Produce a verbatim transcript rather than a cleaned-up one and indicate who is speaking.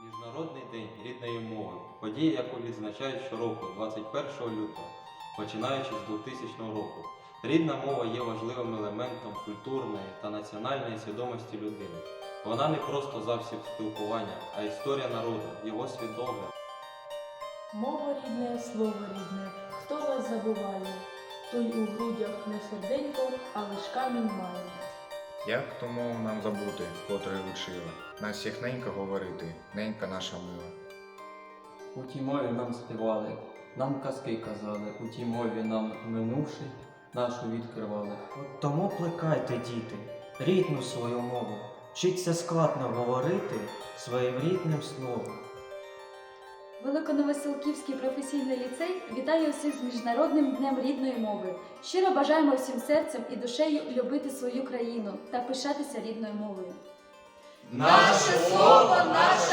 Speaker 1: Міжнародний день рідної мови – подія, яку відзначають щороку, двадцять першого лютого, починаючи з двохтисячного року. Рідна мова є важливим елементом культурної та національної свідомості людини. Вона не просто засіб спілкування, а історія народу, його світогляд.
Speaker 2: Мова рідне, слово рідне, хто вас забуває, той у грудях не серденько, а лиш камінь має.
Speaker 3: Як ту мову нам забути, котрої учили, нас всіх ненька говорити, ненька наша мила.
Speaker 4: У тій мові нам співали, нам казки казали, у тій мові нам минувши, нашу відкривали.
Speaker 5: От тому плекайте, діти, рідну свою мову, вчіться складно говорити своїм рідним словом.
Speaker 6: Великоновоселківський професійний ліцей вітає усіх з Міжнародним днем рідної мови. Щиро бажаємо всім серцем і душею любити свою країну та пишатися рідною мовою.
Speaker 7: Наше слово, наш